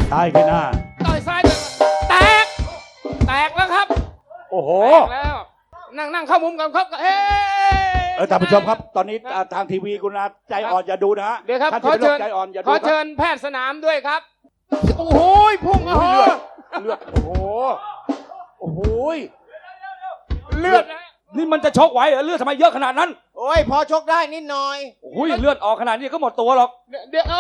ตายขึ้นหน้าต่อยซ้ายแตกแล้วครับโอ้โหแตกแล้วนั่งเข้ามุมกันครับท่านผู้ชมครับตอนนี้ทางทีวีคุณนะใจอ่อนอย่าดูนะฮะเดี๋ยวครับขอเชิญใจอ่อนอย่าดูขอเชิญแพทย์สนามด้วยครับโอ้โหพุ่งเลือดโอ้โหเลือดนี่มันจะชกไหวเหรอเลือดทำไมเยอะขนาดนั้นโอ้ยพอชกได้นิดหน่อยโอ้ยเลือดออกขนาดนี้ก็หมดตัวหรอกเดี๋ยว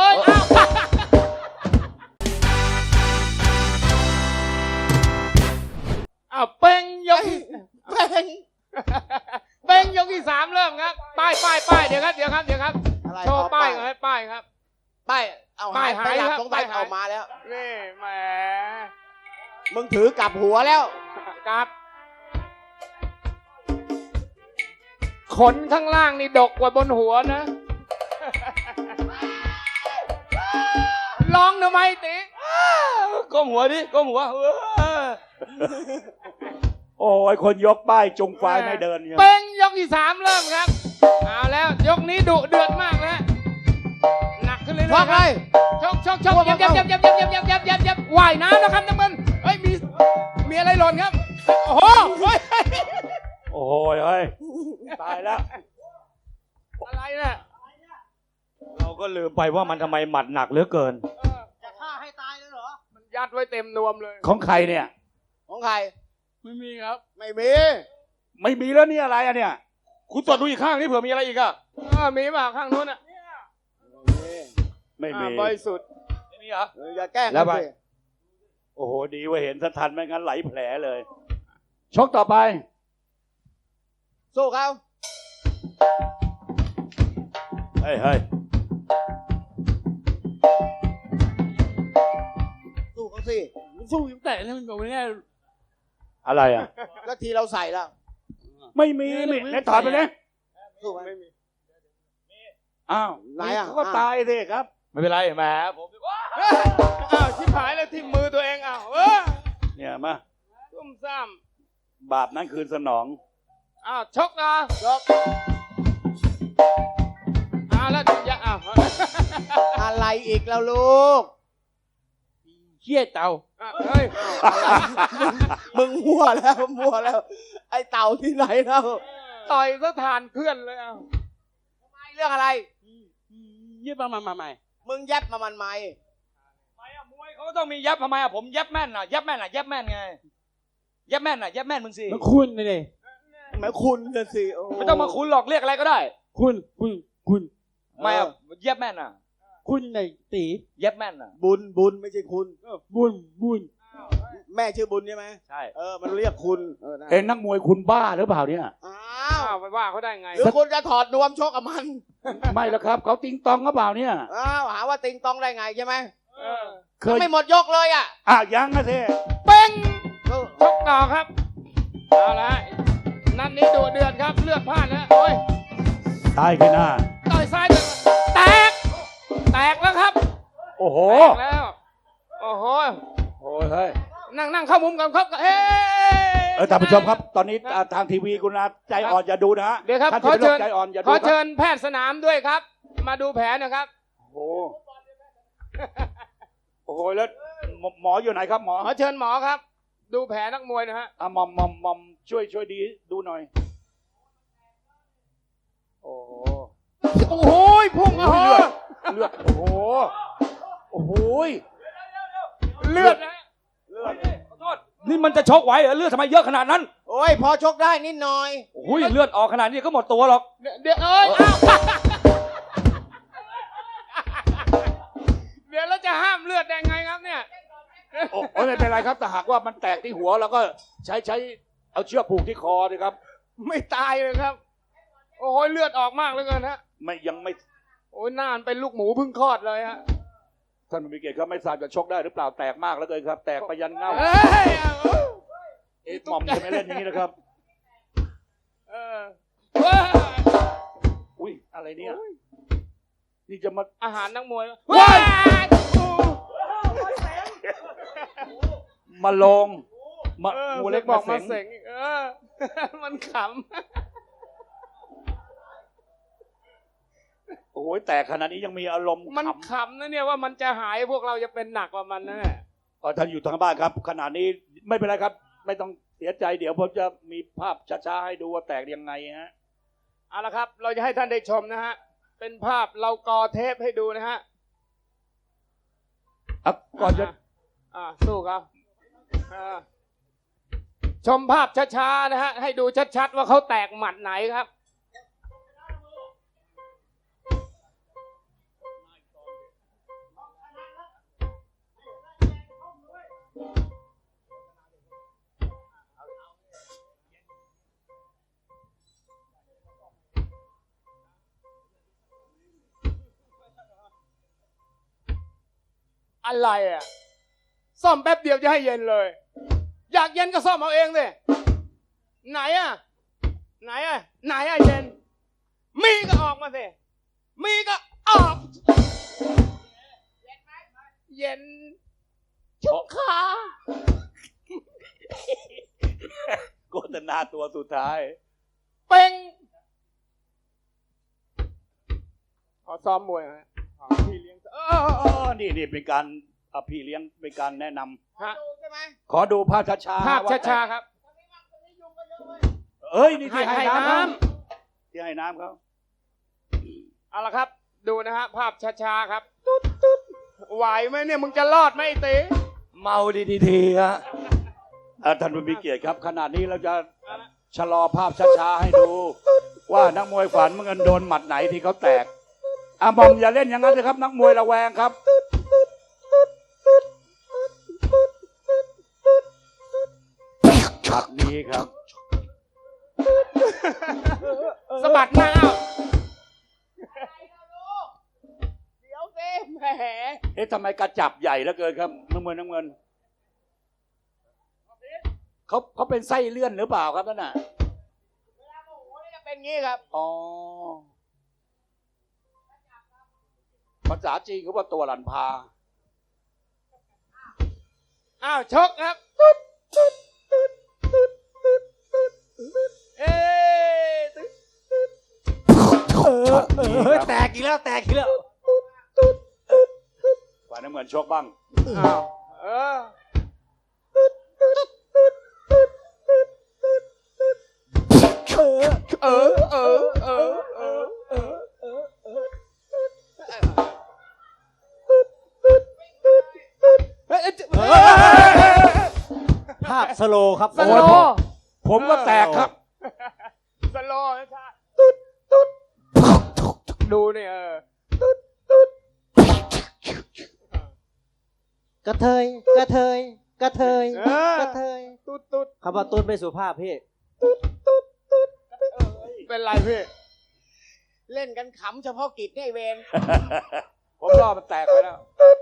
อ้าวเป้งยกเป้งยกที่3เริ่มครับป้ายเดี๋ยวครับโชว์ป้ายก่อนให้ป้ายครับป้ายเอาหายไปหลับตรงป้ายออกมาแล้วนี่แหมมึงถือกลับหัวแล้วกลับขนข้างล่างนี่ดกกว่าบนหัวนะร้องทำไมติก้มหัวดิก้มหัวโอ้ยคนยกป้ายจงไฟไม่เดินเนี่ยเป้งยกที่3เริ่มครับเอาแล้วยกนี้ดุเดือดมากนะหนักขึ้นเรื่อยๆเลยชกยับว่ายน้ำนะครับน้ำมันเฮ้ยมีอะไรหล่นครับโอ้โหโอ้ยเฮ้ยตายแล้วอะไรเนี่ยเราก็ลืมไปว่ามันทำไมหมัดหนักเหลือเกินจะฆ่าให้ตายเลยเหรอมันยัดไว้เต็มนวมเลยของใครเนี่ยของใครไม่มีครับไม่มีแล้วนี่อะไรอะเนี่ยคุณตรวจดูอีกข้างนี่เผื่อมีอะไรอีกอะมีป่ะข้างนู้นอะไม่มีบริสุทธิ์ไม่มีเหรออย่าแกล้งแล้วไปโอ้โหดีว่าเห็นทันไม่งั้นไหลแผลเลยชกต่อไปสู้เขาเฮ้ยสู้เขาสิสู้ยังแต่เนี่ยมันบอกไม่แน่อะไรอ่ะก็ทีเราใส่แล้วไม่มีเนี่ยถอดไปเลยสู้ไม่มีอ้าวไหนอ่ะเขาก็ตายสิครับไม่เป็นไรแหมผมชิบหายแล้วที่มือตัวเองเนี่ยมาซุ่มซ่ามบาปนั้นคืนสนองชกนะแล้วอย่าอะไรอีกแล้วลูกเชี่ยเต่าเฮ้ยมึงมั่วแล้วไอ้เต่าที่ไหนแล้วต่อยสถานเพื่อนเลยทำไมเรื่องอะไรเย็บมาใหม่มึงยับมามันไหมมวยเขาต้องมียับทำไมผมยับแม่นยับแม่นไงยับแม่นมึงสิมันคุณนี่แม่คุณจะสิไม่ต้องมาคุณหรอกเรียกอะไรก็ได้คุณไม่ยับแม่นคุณในตียับแม่นบุญไม่ใช่คุณบุญแม่ชื่อบุญใช่ไหมใช่มันเรียกคุณนักมวยคุณบ้าหรือเปล่าเนี่ยไปว่าเขาได้ไงหรือคุณจะถอดนวมชกกับมันไม่แล้วครับเขาติงตองหรือเปล่าเนี่ยหาว่าติงตองได้ไงใช่ไหมเคยไม่หมดยกเลยยังนะเท่เป้งชกต่อครับเอาละนัดนี้ดุเดือดครับเลือดพลาดแล้วโอ้ยตายขึ้นหน้าต่อยซ้ายแตกแล้วครับโอ้โหแตกแล้วโอ้โหเฮ้ยนั่งเข้ามุมกันครับท่านผู้ชมครับตอนนี้ทางทีวีคุณนะใจอ่อนอย่าดูนะฮะเดี๋ยวครับขอเชิญแพทย์สนามด้วยครับมาดูแผลนะครับโอ้โหแล้วหมออยู่ไหนครับหมอขอเชิญหมอครับดูแผลนักมวยนะฮะมอมช่วยดีดูหน่อยโอ้โหพุ่งเลือดโอ้โหเลือดขอโทษนี่มันจะชกไหวเหรอเลือดทำไมเยอะขนาดนั้นโอ้ยพอชกได้นิดหน่อยโอ้ยเลือดออกขนาดนี้ก็หมดตัวหรอกเดี๋ยวเดี๋ยวเราจะห้ามเลือดได้ไงครับเนี่ยไม่เป็นไรครับแต่หากว่ามันแตกที่หัวแล้วก็ใช้เอาเชือกผูกที่คอเลยครับไม่ตายเลยครับโอ้ยเลือดออกมากเลยเกินฮะยังไม่โอ้ยหน้าเป็นลูกหมูเพิ่งคลอดเลยฮะท่านผู้มีเกียรติครับไม่ทราบจะชกได้หรือเปล่าแตกมากแล้วเกินครับแตกไปยันเงาหม่อมจะไม่เล่นอย่างนี้นะครับอุ้ยอะไรเนี่ยนี่จะมาอาหารนักมวยมาลงงูเล็กบอกมาเสงมันขำโอ้ยแต่ขณะนี้ยังมีอารมณ์มันขำขำนะเนี่ยว่ามันจะหายพวกเราจะเป็นหนักกว่ามันนะเนี่ยท่านอยู่ทางบ้านครับขณะนี้ไม่เป็นไรครับ ไม่ต้องเสียใจเดี๋ยวผมจะมีภาพช้าๆให้ดูว่าแตกยังไงฮะเอาละครับ เราจะให้ท่านได้ชมนะฮะเป็นภาพเรากอเทปให้ดูนะฮะก่อนจะสู้ครับชมภาพช้าๆนะฮะให้ดูชัดๆว่าเขาแตกหมัดไหนครับ อะไรอ่ะซ่อมแป๊บเดียวจะให้เย็นเลย อยากเย็นก็ซ่อมเอาเองสิไหนอ่ะไหนอ่ะไหนอ่ะเย็น มีก็ออกมาสิมีก็ออกเย็นชุกขาโฆษณาตัวสุดท้ายเป็งขอซ้อมมวยฮะพี่เลี้ยงนี่เป็นการพี่เลี้ยงเป็นการแนะนำฮะขอดูภาพช้าๆภาพว่แตกช้าๆครับเอ้ยนี่ที่ให้ให้น้ำน้ครับที่ให้น้ำเขาเอาละครับ ดูนะฮะภาพช้าๆครับไหวไหมเนี่ยมึงจะรอดไหมไอ้ตีเมาดีทีฮะท่านผู้มีเกียรติครับขณะนี้เราจะชะลอภาพช้าๆให้ดู ว่านักมวยฝันมันโดนหมัดไหนที่เขาแตกบอมอย่าเล่นอย่างนั้นเลยครับนักมวยระแวงครับช็อตนี้ครับสะบัดหน้าเอาเดี๋ยวสิแหมทำไมกระจับใหญ่เหลือเกินครับน้ำเงินเขาเป็นไส้เลื่อนหรือเปล่าครับนั่นน่ะเวลาโมโหนี่จะเป็นงี้ครับอ๋อภาษาจีนเขาว่าตัวหลันพาอ้าวชกครับเอ๊ะแตกอีกแล้วแตกอีกแล้วฝ่ายน้ำเงินชกบ้างอ้าวภาพสโลว์ครับสโลว์ผมก็แตกครับสโลว์นะจ๊ะดูนี่กระเทยกระเทยกระเทยกระเทยตุ๊ดคำว่าตุ๊ดไม่สุภาพพี่เป็นไรพี่เล่นกันขำเฉพาะกิจเนี่ยไอ้เวรผมรอมันแตกไปแล้ว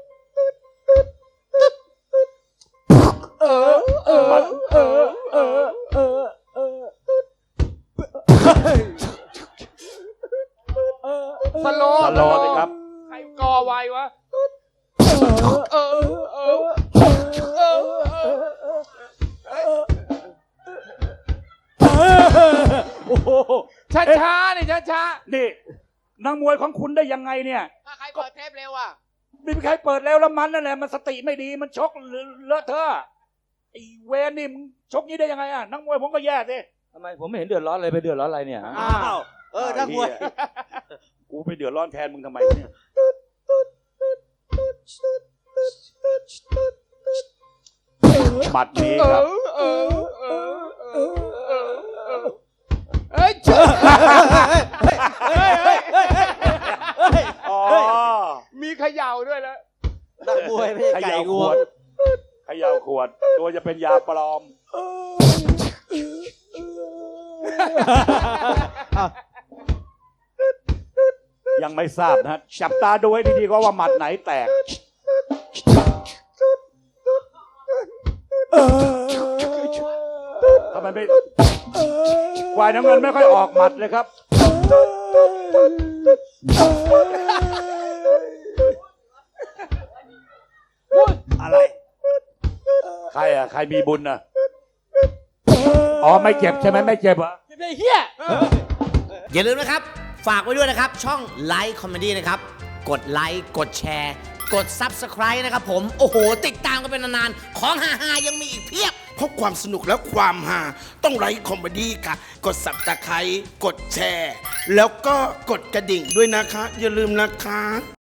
สโลว์สโลว์สิครับใครกอไว้วะช้าๆนี่ช้านี่นักมวยของคุณได้ยังไงเนี่ยถ้าใครเปิดเทปเร็วอ่ะไม่มีใครเปิดแล้วมันนั่นแหละมันสติไม่ดีมันชกเลอะเทอะไอ้เวรนี่มึงชกนี้ได้ยังไงนักมวยผมก็แย่สิทำไมผมไม่เห็นเดือดร้อนเลยไปเดือดร้อนอะไรเนี่ยอ้าวนักมวยกูไปเดือดร้อนแทนมึงทำไมเนี่ยหมัดนี้ครับเฮ้ยอ๋อมีเขย่าด้วยแล้วนักมวยไม่ใช่เขไก่ย่าง ขววงดเขย่าขวด ตัวจะเป็นยาปลอม ยังไม่ทราบนะจับตาดูให้ดีๆว่าหมัดไหนแตกทำไมไม่ควายน้ำเงินไม่ค่อยออกหมัดเลยครับ อะไร ใครอ่ะ ใครมีบุญอ่ะ อ๋อ ไม่เจ็บใช่ไหมไม่เจ็บเหรอไอ้เหี้ยอย่าลืมนะครับฝากไว้ด้วยนะครับ ช่องไลค์คอมเมดี้นะครับ กดไลค์กดแชร์ กด Subscribe นะครับผม โอ้โห ติดตามกันเป็นนานๆ ของฮาๆยังมีอีกเพียบเพราะความสนุกและความฮาต้องไลค์คอมเมดี้ค่ะ กดสับตะไคร้กดแชร์ แล้วก็กดกระดิ่งด้วยนะคะ อย่าลืมนะคะ